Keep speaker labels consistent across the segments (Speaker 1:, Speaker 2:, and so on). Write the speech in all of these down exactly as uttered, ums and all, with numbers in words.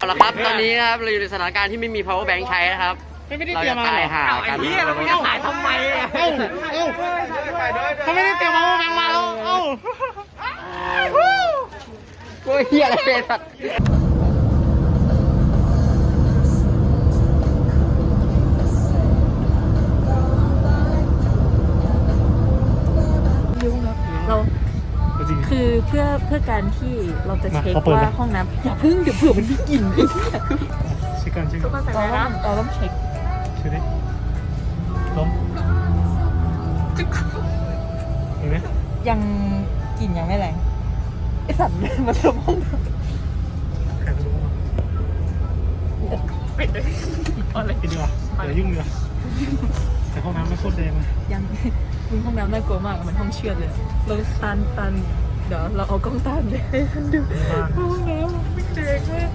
Speaker 1: ละครับตอนนี้นะครับเราอยู่ในสถานการณ์ที่ไม่มี power bank ใช้นะครับเราจะตายห่ากัน
Speaker 2: เราจะถ่ายทำไมอ่ะเอ้าเอ้าเขาไม่ได้เตรียม power bank มาแล้วเอ้า
Speaker 1: โอ้ยเฮียอะไรเป็นสัตว์
Speaker 3: เราคือเพื่อเพื่อการที่เราจะเช็คว่าห้องน้ำอย่าพึ่งเดี๋ยวเผื่อมันมีกลิ่นอีก
Speaker 2: เช็คกันเช็คกัน
Speaker 3: เราต้องเราต้องเช็ค
Speaker 2: เช็คดิล้มเห็นไหม
Speaker 3: ยังกลิ่นยังไม่แรงไอสัตว์มาทำห้องน้ำ
Speaker 2: ใครจะรู้ปิดเลยอะไรปิดดีกว่าเดี๋ยวยุ่งดีกว่าแต่ห้องน้ำไม่โคตรแดงเลย
Speaker 3: ยังมึงห้องน้ำน่ากลัวมากมันห้องเชือดเลยเราตันตันเดี๋ยวเราเอากล้องตามเลยให้ท่านดูห้องน้ำไม่แดงมาก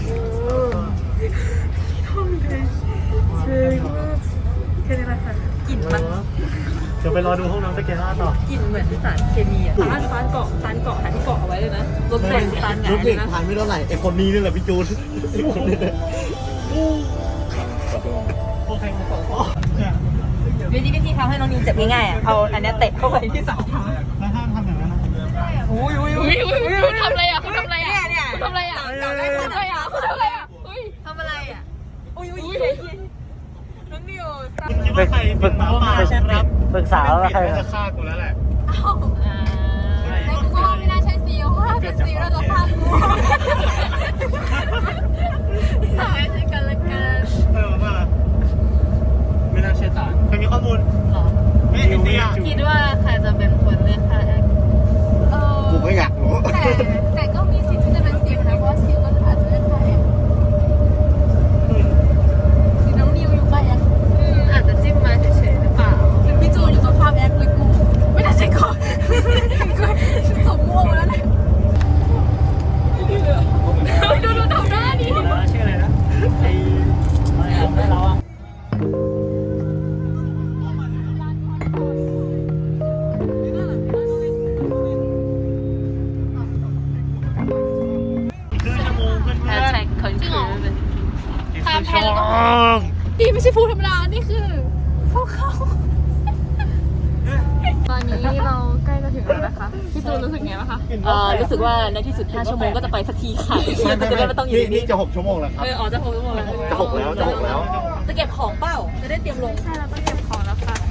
Speaker 3: ห้องแดงแดงมากแค่นี้แหละค่ะกลิ่นมัน
Speaker 2: เดี๋ยวไปรอดูห้องน้ำสแกนล่าต่อก
Speaker 3: ลิ่นเหมือนสารเคมีอ่ะฟานฟานเกาะฟานเกาะหาที่เกาะเอาไว้เลยนะรถแดงฟานหงายเลยนะ
Speaker 4: ผ่านไม่เท่าไหร่ไอคนนี้นี่แหละพี่จูน
Speaker 2: โอเคมาต่อ
Speaker 3: วิธีวิธีทำให้น้องนิวเจ็บง่ายๆอ่ะเอาอันนี้เตะเข้าไปที่สายเท้า
Speaker 2: แล้วห้ามทำอย่างนั้นนะ
Speaker 3: อุ้ยอุ้ยอุ้ย
Speaker 5: คุณทำอะไรอ่ะคุณทำอะไรอ่ะ
Speaker 3: เนี่ยเนี่ย
Speaker 5: คุณทำอะไรอ่ะคุณทำอะไรอ่ะคุณทำอะไรอ่ะคุณทำอะไรอ่ะอุ้ย
Speaker 3: ทำอะไรอ่ะอุ้ยอุ้ยน้องนิว
Speaker 2: คิดว่าใครเป็นหมาป่าใช่ไหมครับ
Speaker 1: ปรึกษาว่าใคร
Speaker 2: จะฆ่ากูแล้วแหละ
Speaker 5: อ้าวในกูก็ไม่น่าใช่ซีลเพราะถ้าเป็นซีลเราจะฆ่ากูสายใช้กันละกัน
Speaker 2: เออว่าไม่น่าเชื่อตาเคยมีข้อมูลหรอไม่ไม่
Speaker 5: คิดว่าใครจะเป็นคนเลือกฆ่าแอคเออ
Speaker 4: กูไม่อยากรู้
Speaker 5: แต่แต่ก็มีสิทธิ์ที่จะเป็นซีลนะเพราะว่าซีลก็อาจจะเลือกฆ่าแอคคือน้องนิวอยู่กับแอคอาจจะจิ้มมาเฉยๆหรือเปล่าเป็นพี่จูนอยู่ตรงข้ามแอคเลยกูไม่น่าใช่ก่อนกูสมม่วงแล้วแหละดูดูทำหน้าดิ
Speaker 2: ชื่ออะไรนะไอ้อะไรเราอ่ะ
Speaker 5: ตามแผนแล้วดีไม่ใช่ฟูธรรมดานี่คือพวกเขาตอนนี้เราใกล้จะถึงแล้วนะคะพี่จูนรู้สึกไงบ้างคะ
Speaker 3: เออรู้สึกว่าในที่สุดห้าชั่วโมงก็จะไปสักทีค่ะก็จะได้ไม่ต้องอยู่
Speaker 4: นี่จะหกชั่วโมงแล้วครับ
Speaker 3: เอออ๋อจะหกชั่วโมงแล้ว
Speaker 4: จะหกแล้วจะหกแล้ว
Speaker 3: จะเก็บของเปล่าจะได้เตรียมลง
Speaker 5: ใช่เราต้องเก็บของแล้วค่ะ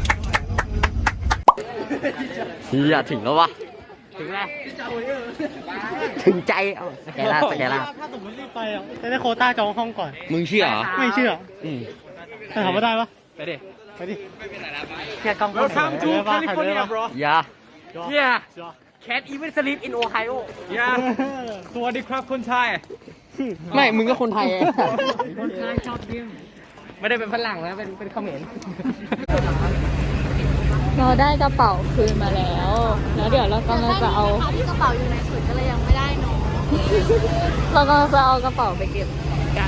Speaker 1: เฮียถึงแล้ววะถึงแล้วถึงใจเอาสแกนล่าสแกนล่า
Speaker 2: ถ้าสมมติรีบไปอ่ะจะได้โควต้าจองห้องก่อน
Speaker 1: มึงเชื่อเหรอ
Speaker 2: ไม่เชื่อ
Speaker 1: อืม
Speaker 2: แต่ถามว่าได้ปะ
Speaker 1: ไปดิ
Speaker 2: ไปดิแค่กล้องคนถ่ายได้ปะ
Speaker 1: อย่า
Speaker 2: yeah
Speaker 1: can't even sleep in Ohio
Speaker 2: ย่าสวัสดีครับคนไทย
Speaker 1: ไม่มึงก็คนไทย
Speaker 2: คนไทยชอบดิ้ง
Speaker 1: ไม่ได้เป็นฝรั่งนะเป็นเป็นเขมร
Speaker 3: เราได้กระเป๋าคืนมาแล้วแล้วเดี๋ยวเรากำลังจะเอา
Speaker 5: ที่กระเป๋าอยู่ในสุดก็เลยยังไม่ได้เนาะ
Speaker 3: เรากำลังจะเอากระเป๋าไปเก็บกัน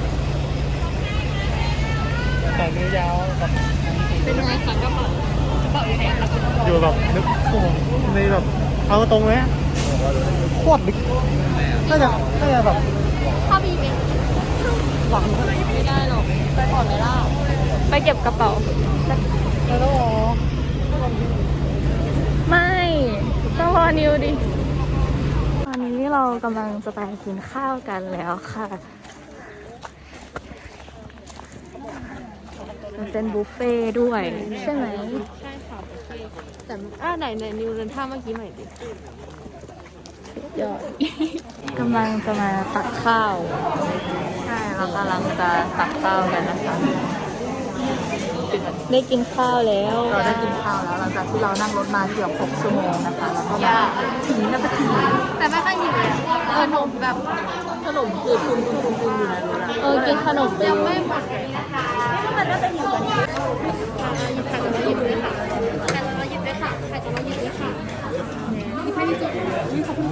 Speaker 2: แต่เนื้อยาวแบบ
Speaker 5: เป็นยังไงคะกระเป๋ากระเป๋าอยู่ไหนคะ
Speaker 2: อยู่แบบนึกโอ้ในแบบเอาตรงเลยโคตรลึกน่าจะน่าจะแบบ
Speaker 5: ถ้ามีไหม
Speaker 3: หวังไม่ได้หรอกไปก่อนไหมล่ะไปเก็บกระเป๋า
Speaker 2: แล้วต้องรอ
Speaker 3: ไม่ต้องรอนิวดิตอนนี้เรากำลังจะไปกินข้าวกันแล้วค่ะมันเป็นบุฟเฟ่ด้วยใช่ไหม
Speaker 5: ใช่ค่ะแต่อ่าไหนไหนนิวเดินท่าเมื่อกี้ใหม่ดิ
Speaker 3: ยอดกำลังจะมาตักข้าวใช่เรากำลังจะตักข้าวกันนะคะได้กินข้าวแล้วเราได้กินข้าวแล้วหลังจากที่เรานั่งรถมาเกือบหกชั่วโมงนะคะแล้วก็มาถึงนาที
Speaker 5: แต่ไม่ค่อยหิวเลยเออขนมแบบ
Speaker 3: ขนมคือทุนทุนทุนทุนอยู่ในรถเออกินขนมไป
Speaker 5: ยังไม่หมดเลยนะคะมันน่าจะหิวกันหยิบไข่จะมาหยิบด้วยค่ะไข่จะมาหยิบด้วยค่ะไข่จะมาหยิบด้วยค่ะมีไข่ที่สุดขอบคุณ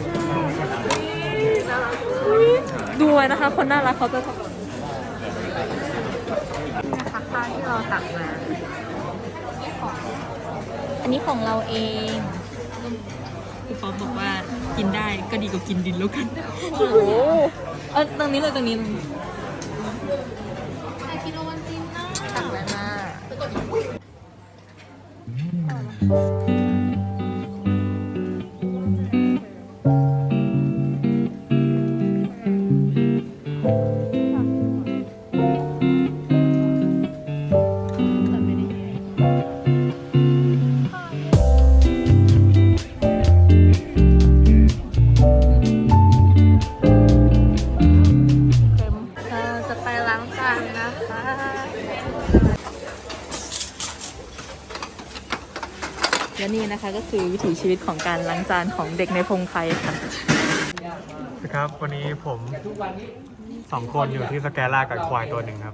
Speaker 5: ค่ะ
Speaker 3: ดูไว้นะคะคนน่ารักเขาจะนะคะข้าวที่เราตักมาอันนี้ของเราเองครูฟอมบอกว่ากินได้ก็ดีกว่ากินดินแล้วกันโอ้โหเออตรงนี้เลยตรงนี้ตรงนี้
Speaker 5: กินโอวันตินนะ
Speaker 3: สั่งอะไรมา
Speaker 5: เราจะไปล้างจานนะคะ
Speaker 3: และนี่นะคะก็คือวิถีชีวิตของการล้างจานของเด็กในพงไพรค่ะ
Speaker 2: ครับวันนี้ผมสองคนอยู่ที่สแกล่ากับควายตัวหนึ่งครับ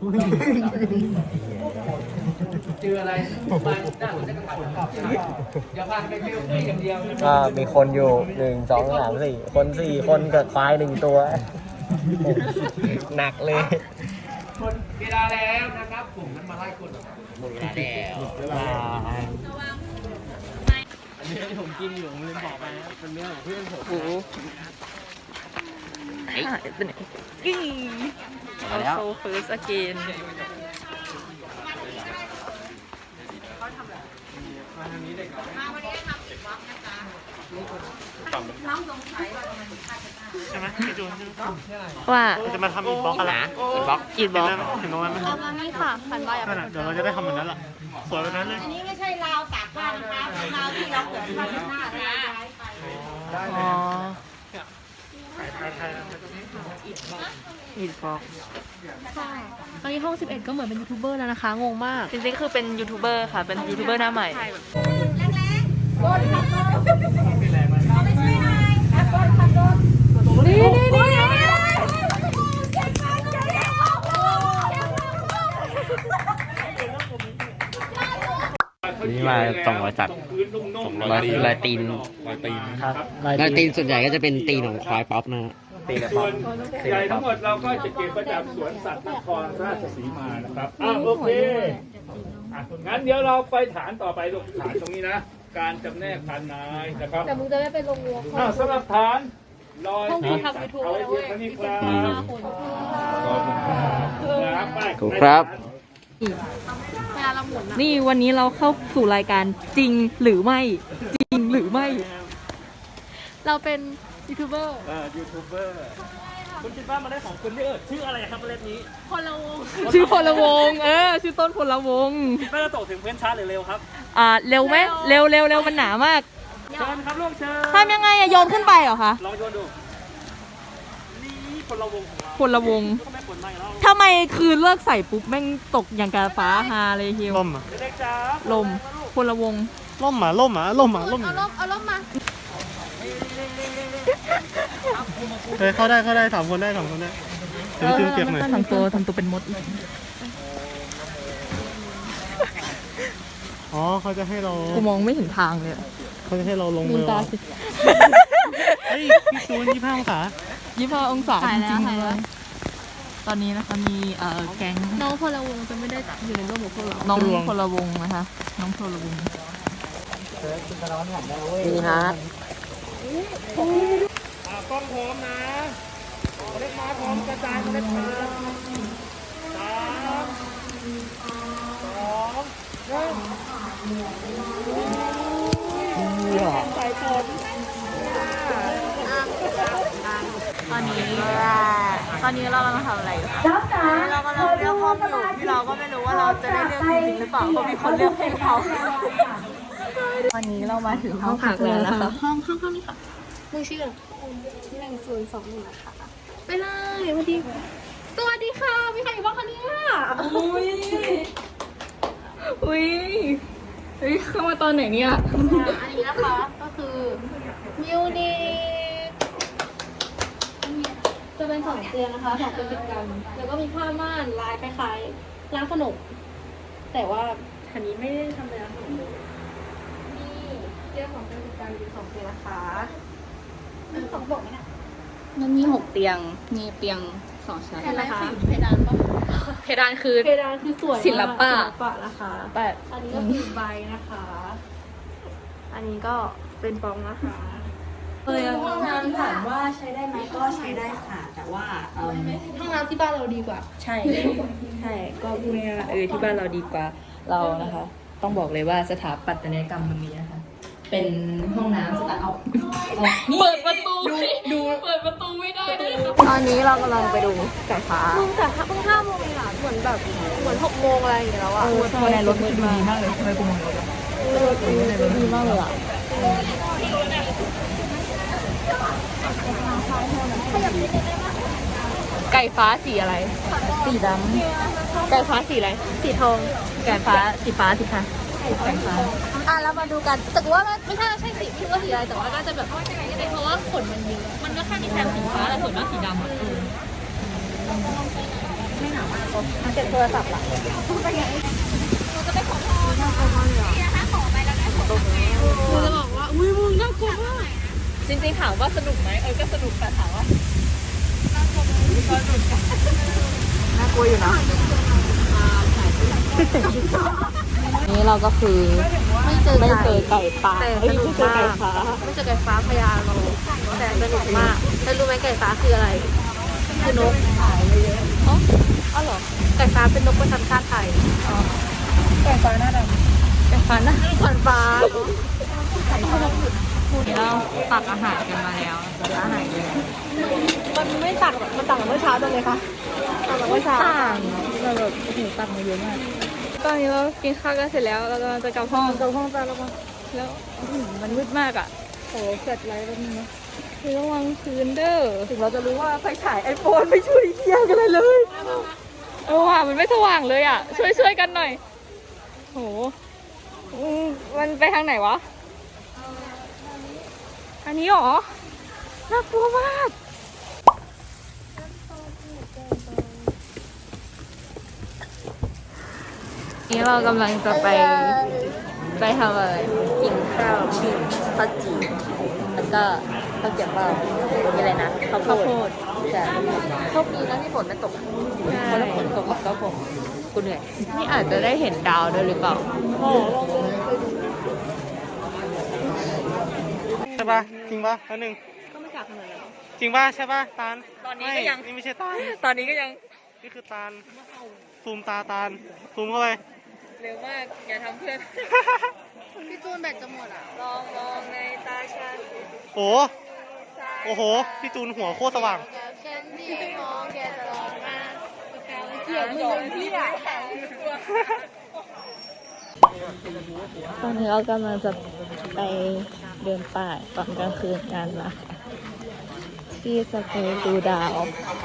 Speaker 1: ก็มีคนอยู่หนึ่งสองสามสี่คนสี่คนกับควายหนึ่งตัว หนักเลย
Speaker 6: เวลาแล้วนะครับผมนั้นมาไล่คนหมดเวลาแล้ว
Speaker 1: อันนี้ที่ผมกินอยู่ผมลืมบอกไปนะเป็นเนื้อของเพื่อนผม
Speaker 3: โอ้โหหายไปไหนอีเอาโซเฟิร์สอเกน
Speaker 2: ใช่ไหมพี่จูน
Speaker 3: ว่า
Speaker 2: จะมาทำอีกบล็อกอะไร
Speaker 1: อีกบล็อก
Speaker 3: อีดบอก
Speaker 2: เห็นตรงนั้นไหม
Speaker 5: เอามานี่ค่ะพันใบอ่ะ
Speaker 2: นั่นแหละเดี๋ยวเราจะได้ทำแบบนั้นแหละสวยแบบนั้นเลย
Speaker 5: อันนี้ไม่ใช่ราวตากผ้านะคะเป็นราวที่เราเกิดผ้าหน้าได้ย้ายไป
Speaker 3: อ๋อ
Speaker 2: ใครใครใคร
Speaker 3: อีดบอก
Speaker 5: ค่ะตอนนี้ห้องสิบเอ็ดก็เหมือนเป็นยูทูบเบอร์แล้วนะคะ งงมาก
Speaker 3: จริงๆคือเป็นยูทูบเบอร์ค่ะ เป็นยูทูบเบอร์หน้าใหม่
Speaker 5: นี่นี่นี่
Speaker 1: นี่มาสองร้อยจัดสองร้อยลายตีนลายตีนครับลายตีนส่วนใหญ่ก็จะเป็นตีนของควายป๊อปนะฮะตีนกับป๊อป
Speaker 6: ใหญ่ทั้งหมดเราก็จะเก็บประจำสวนสัตว์นครราชสีมานะครับอ่าโอเคอ่ะงั้นเดี๋ยวเราไปฐานต่อไปลูกฐานตรงนี้นะ การจำแนกพันนายนะครับ
Speaker 5: แต่มึงจะไม่ไปลงวัว
Speaker 6: อ่าสำหรับฐานลอย
Speaker 5: ห้องกูทำยูทูบ
Speaker 6: เอาไว้
Speaker 5: แล้ว
Speaker 6: เพี
Speaker 5: เว้
Speaker 6: ย
Speaker 5: ย
Speaker 6: งเท่านี้ครับครับไป
Speaker 1: ถูกครับ
Speaker 5: เวลาเราหมุนอะ
Speaker 3: นี่วันนี้เราเข้าสู่รายการจริงหรือไม่ จริงหรือไม่
Speaker 5: เราเป็นยูทูบเบอร์
Speaker 6: เออยูทูบเบอร์คุณคิดว่ามาได้ของคุณนี่เออชื่ออะไรครับเมล็ดนี้
Speaker 5: คนละวง
Speaker 3: ชื่อพลวงศ์เออ ชื่อต้นพลวงศ์
Speaker 6: ไม่จะตกถึงเพื่อนช้าหรือเร็วครับ
Speaker 3: อ่า เร็วไหมเร็วเร็วเร็วมันหนามาก
Speaker 6: เชิญครับลูกเชิญ
Speaker 3: ทำยังไงอะโยนขึ้นไปเหรอคะ
Speaker 6: ลองโยนดู นี่คนละวงของเรา
Speaker 3: พลวงศ์
Speaker 6: ก็ไม่ผลไม่แล้ว
Speaker 3: ทำไมคือเลิกใส่ปุ๊บแม่งตกอย่างกาฟ้าฮาเลยฮิว
Speaker 2: ล่มอ่ะ
Speaker 6: เด็กๆจ้า
Speaker 3: ลมพลวงศ์
Speaker 2: ล่มอ่ะล่มอ่ะล่มอ่ะล่ม
Speaker 5: เอาล่มเอาล่มมา
Speaker 2: เคยเข้าได้เข้าได้สามคนได้สามคนได้เดี๋ยวพี่จูนเปียกหน่อย
Speaker 3: ทำตัวทำตัวเป็นมดอีก
Speaker 2: อ๋อเขาจะให้เรา
Speaker 3: กูมองไม่เห็นทางเลยอะ
Speaker 2: เขาจะให้เราลง
Speaker 3: ลื
Speaker 2: มื
Speaker 3: ม
Speaker 2: อ
Speaker 3: ตา
Speaker 2: เหรอ
Speaker 3: สิ
Speaker 2: เฮ้ยพี่จูนยี่ห้าองศา
Speaker 3: ยี่ห้าองศา
Speaker 5: ถ่าย
Speaker 3: จ
Speaker 5: แล้ว
Speaker 3: ริง
Speaker 5: ถ่าย
Speaker 3: ๆเล
Speaker 5: แล้ว
Speaker 3: ยตอนนี้นะคะมีเอ่อแก๊ง
Speaker 5: น้องพลวงจะไม่ได้อยู่ในร่วมกับพวกเรา
Speaker 3: น้องพลวงศ์นะคะ น้องพลวงศ์
Speaker 1: นี่ฮะ
Speaker 6: อ่ากล้องพร้อมนะเมล็ดมาพร้อมกระจายเมล็ดมาสามสองหนึ่งใส่ผล
Speaker 3: ตอนนี้ตอนนี้เรากำลังทำอะไรอยู่คะเรากำลังเลือกห้องอยู่ที่เราก็ไม่รู้ว่าเราจะได้เลือกจริงๆหรือเปล่าเพราะมีคนเลือกให้เราวันนี้เรามาถึงห้องพักแล้วนะคะ
Speaker 5: ห้องห้องห้องนี้ค่ะมึงชื่อหนึ่งศูนย์สองหนึ่งนะคะไปเลยสวัสดีสวัสดีค่ะมีใครอยู่บ้างคะเนี่ย
Speaker 3: อุ้ยอุ้ยเฮ้ยเข้ามาตอนไหนเนี่ย
Speaker 5: อันนี้นะคะก็คือมิวนิคจะเป็นสองเตียงนะคะสองเตียงติดกันแล้วก็มีผ้าม่านลายคล้ายๆร้านขนมแต่ว่าอันนี้ไม่ได้ทำเป็นร้านขนมเลยนี่เตียงของเตียงติดกันเป็นสองเตียงนะคะอันนี้สองบอกไหมเนี่ย
Speaker 3: มันมีหกเตียง มีเตียงสองชั้น
Speaker 5: เพดาน
Speaker 3: นะคะ
Speaker 5: คือเพดานปะ
Speaker 3: เพดานคือ
Speaker 5: เพดานคือสวยมาก
Speaker 3: ศิลปะ
Speaker 5: ศิลปะนะคะ
Speaker 3: แต่
Speaker 5: อันนี้ก็คือใบนะคะ อันนี้ก็เป็นปองนะคะห้องน้ำถามว่าใช้ได้ไหมก็ใช้ได้ค่ะ แต่ว่าเอิ่มห้องน้ำที่บ้านเราดีกว่า
Speaker 3: ใช่ ใช่ ก็พูดง่ายๆว่าเออที่บ้านเราดีกว่าเรานะคะ ต้องบอกเลยว่าสถาปัตยกรรมตรงนี้นะคะ เป็นห้องน้ำสไตล์เอาเปิดประตูดูเปิดประตูไม่ได้ด้วยตอนนี้เรากำลังไปดูไก่ฟ้า
Speaker 5: แต่เพิ่งห้าโมงเองอ่ะเหมือนแบบเหมือนหกโมงอะไรอย่างเงี้ยแล้วอ่ะ
Speaker 3: ใช่ในรถมันดูดีมากเลยทำไมกูมองรถอ่ะในรถดีมากเลยอ่ะไก่ฟ้าสีอะไร สีดำไก่ฟ้าสีอะไร สีทองไก่ฟ้าสีฟ้าสิคะไก่ฟ้า
Speaker 5: อ่ะเรามาดูกันแต่ว่าไม่ใช่ใช่สีไม่รู้ว่าสีอะไรแต่ว่าก็จะแบบเพราะว่าขนมันเยอะมันก็แค่มีแซมสีฟ้าแต่ส่วนมากสีดำอ่ะ
Speaker 3: เก็บโทรศัพท์ล่ะกูจะบอกว่าอุ้ยมึงน่ากลัวมากจริงๆถามว่าสนุกไหมเออก็สนุกแต่ถามว่าน่ากลัวน่ากลัวอยู่นะนี่เราก็คือ
Speaker 5: ไม่เจอ
Speaker 3: ไม่เจอไก่ป่า
Speaker 5: แต่
Speaker 3: เอ้
Speaker 5: ส
Speaker 3: ย
Speaker 5: นุ
Speaker 3: ไม่
Speaker 5: ก
Speaker 3: เจอ
Speaker 5: มา
Speaker 3: ไก่
Speaker 5: ก
Speaker 3: ฟ้า
Speaker 5: ไม่เจอไก่ฟ้าพญาโลแต่สนุกมากแล้วรู้ไหมไก่ฟ้าคืออะไรคือนกอ๋ออ๋อเหรอไก่ฟ้าเป็นนกประจำชาติไทย
Speaker 3: ไก่ฟ้าหน้าดำไก่ฟ้าหน้า
Speaker 5: ขวัญฟ้า
Speaker 3: นี่เราตักอาหารกันมาแล้วอาหารเยอะ
Speaker 5: มันไม่ต่างมันต่างกับเมื่อเช้าตรงเลยค่ะต่างกับเมื่อเช้า
Speaker 3: ต่างเราแบบโอ้โหตักมาเยอะมากตอนนี้เรากินข้าวกันเสร็จแล้วเรากำลังจะกลับห้อง
Speaker 5: กับห้องตาแล้วก็
Speaker 3: แล้วอื้อหือมันมืดมากอ่ะโหเกิดอะไรแล้วนี่นะคือระวังพื้นเด้อ
Speaker 5: ถึงเราจะรู้ว่าไฟฉายไอโฟนไม่ช่วยเที่ยงกันเลยเลย
Speaker 3: เออว่ะมันไม่สว่างเลยอ่ะ ช่วยช่วยกันหน่อยโหอืมมันไปทางไหนวะอันนี้หรอน่ากลัวมากนี่เรากำลังจะไปไปทำอะไร
Speaker 5: กินข้าวกินข้าวจีแล้วก็ข้าวเก็บเปล่ามีอะไรนะข้าวโพ
Speaker 3: ข้าวโพ
Speaker 5: ด
Speaker 3: ด
Speaker 5: ใช่โชคดีนะที่ฝนไม่ตกเพราะถ้าฝนตกก็คงกูเหนื่อย
Speaker 3: นี่อาจจะได้เห็นดาวด้วยหรือเปล่า
Speaker 2: ใช่ปะจริงปะอันหนึ่ง
Speaker 5: ก็ไม่กลับขนาดนั้น
Speaker 2: จริงปะใช่ปะตาล
Speaker 3: ตอนนี้ก็ยัง
Speaker 2: ไม่นี่ไม่ใช่ตาล
Speaker 3: ตอนนี้ก็ยัง
Speaker 2: นี่คือตาลซูมตาตาลซูมเข้าไป
Speaker 3: เร็วมาก อย่าทำเพื่อน
Speaker 5: พี่จูนแบตจะหมดอ่ะ
Speaker 3: ลองมองในตาฉัน
Speaker 2: โอ้โอ้โหพี่จูนหัวโคตรสว่าง
Speaker 5: ฉันที่มองแกตลอดมา
Speaker 3: เกี่ยวมือพี่อ่ะตอนนี้เรากำลังจะไปเดินป่าตอนกลางคืนกันนะคะที่จะไปดูดาว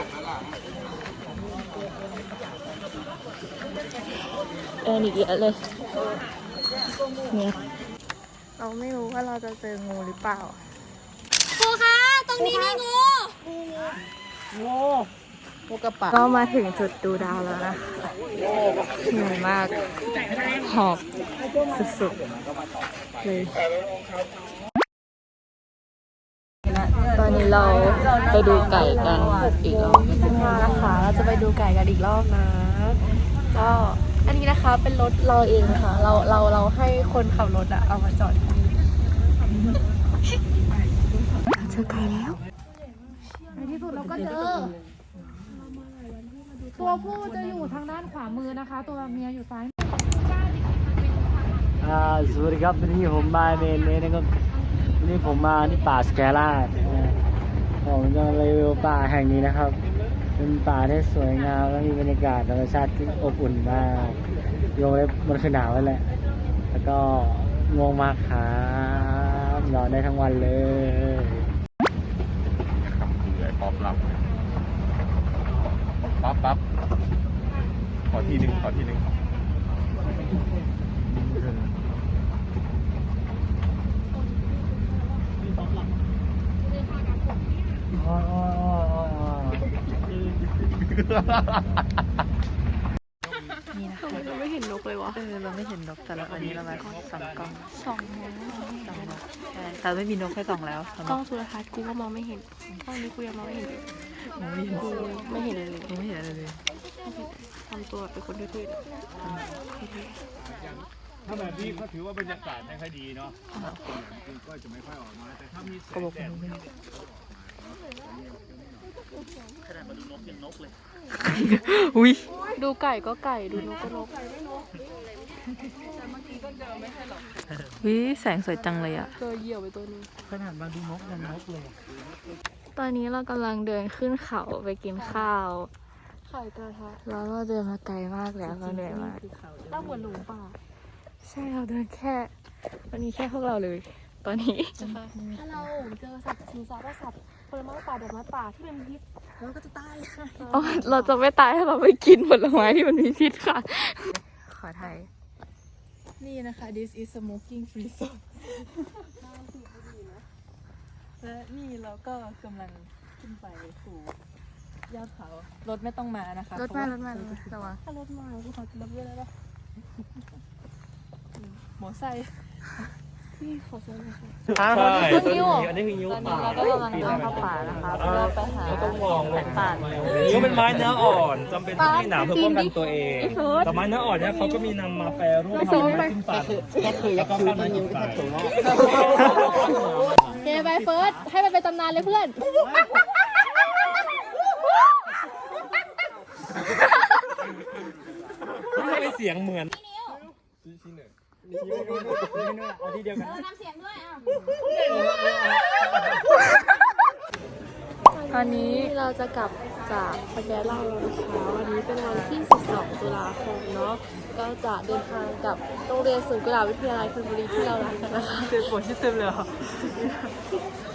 Speaker 3: เดินอีกเยอะเลยเนี่ยเราไม่รู้ว่าเราจะเจองูหรือเปล่า
Speaker 5: ครูคะตรงนี้มีงู
Speaker 3: งูกระป๋าก็มาถึงจุดดูดาวแล้วนะคะเหนื่อยมาก หอบสุดๆเลย ตอนนี้เราไปดูไก่กันอีกรอบมานะคะเราจะไปดูไก่กันอีกรอบนะ ก็อันนี้นะคะเป็นรถเราเองค่ะ เราเราเราให้คนขับรถอะเอามาจอดที่นี่เจอไก่แล้ว
Speaker 5: ในที่สุดเราก็เจอ ตัวผู้จะอยู่ทางด้านขวามือนะคะ ตัวเมียอยู่ซ้าย
Speaker 1: อ่าสวัสดีครับวันนี้ผมมาเมนเลยนะครับวันนี้ผมมาที่ป่าสแกล่านะผมจะรีวิวป่าแห่งนี้นะครับ เป็นป่าที่สวยงามและมีบรรยากาศธรรมชาติที่อบอุ่นมากโยงเลยมันคือหนาวนั่นแหละ แล้วก็ง่วงมากครับนอนได้ทั้งวันเลย
Speaker 4: เหนื่อยป๊อปรับปั๊บปั๊บขอทีหนึ่งขอทีหนึ่ง
Speaker 3: เราไม่เห็นนกเลยวะเออเราไม่เห็นนกแต่ละอันนี้เรามาสองกล้องสองแล้วสองแล้วใช่แต่ไม่มีนกแค่สองแล้วกล้องโทรทัศน์กูก็มองไม่เห็นกล้องนี้กูยังมองไม่เห็นมองไม่เห็นกูไม่เห็นเลยไม่เห็นอะไรเลยทำตัวเป็นคนทื่อๆ
Speaker 6: ถ้าแบบนี้ก็ถือว่าบรรยากาศไม่ค่อยดีเนาะก็จะไม่ค่อยออกมาแต่ถ้ามีแสงแดดมันจะขนาดมาดูนกยังนกเลย
Speaker 3: อุ้ย
Speaker 5: ดูไก่ก็ไก่ดูนกก็นก
Speaker 3: วิแสงสวยจังเลยอ่ะ
Speaker 5: เจอเหยี่ยวไปตัวนึง
Speaker 2: ขนาดมาดูนกยังนกเลย
Speaker 3: ตอนนี้เรากำลังเดินขึ้นเขาไปกินข้าว
Speaker 5: ไข่กระทะ
Speaker 3: แล้วเราเดินมาไกลมากแล้วเราเหนื่อยมาก
Speaker 5: ตั้งเหมือนหลงป่า
Speaker 3: ใช่เราเดินแค่วันนี้แค่พวกเราเลย ตอนนี้
Speaker 5: ถ้าเราเจอสัตว์สิงสารสัตว์ผลไม้ป่าดอกไม้ป่าที่เป็นพิษเราก็จะตาย
Speaker 3: อ๋อเราจะไม่ตายถ้าเราไม่กินผลไม้ที่มันมีพิษค่ะ ขอไทย
Speaker 5: นี่นะคะ this is smoking free zone และนี่เราก็กำลังขึ้นไปสู่ยอดเขารถไม่ต้องมานะคะ
Speaker 3: รถมารถมารถมาระวัง
Speaker 5: ถ้ารถมาภูเขาจะรับด้วยได้ปะหมอไซค์นี่ขอเชิญเลยค่ะ
Speaker 6: ใช่
Speaker 3: นิ้ว
Speaker 2: อันนี้คือนิ้ว
Speaker 3: ตอนนี้เราก็กำลังเดินเข้าป่านะคะเพื่อไปหา
Speaker 4: ต้องมอง
Speaker 3: แสงป่าน
Speaker 4: นิ้วเป็นไม้เนื้ออ่อนจำเป็นต้องมีหนามเพื่อป้องกันตัวเอง แต่ไม้เนื้ออ่อนเนี่ยเขาก็มีนำมาแปรรูปทำให้ขึ้นปั่นก็คือยักษ์คือที่นิ้วก็ถูก
Speaker 5: เฮไปเฟิร์สให้มันเป็นตำนานเลยเพื่อน
Speaker 4: ไม่เป็นเสียงเหมือน
Speaker 2: เอาที่เดียวกัน
Speaker 3: ตอนนี้
Speaker 5: เราจะกลับจากสแกนเล่าแล้วนะคะวันนี้เป็นวันที่ สิบสอง ตุลาคมเนาะก็จะเดินทางกลับโรงเรียนศูนย์กุหลาบวิทยาลัยธนบุรีที่เรารักกันนะคะ
Speaker 2: เจ็บปวดที่เต็มเลยเหรอ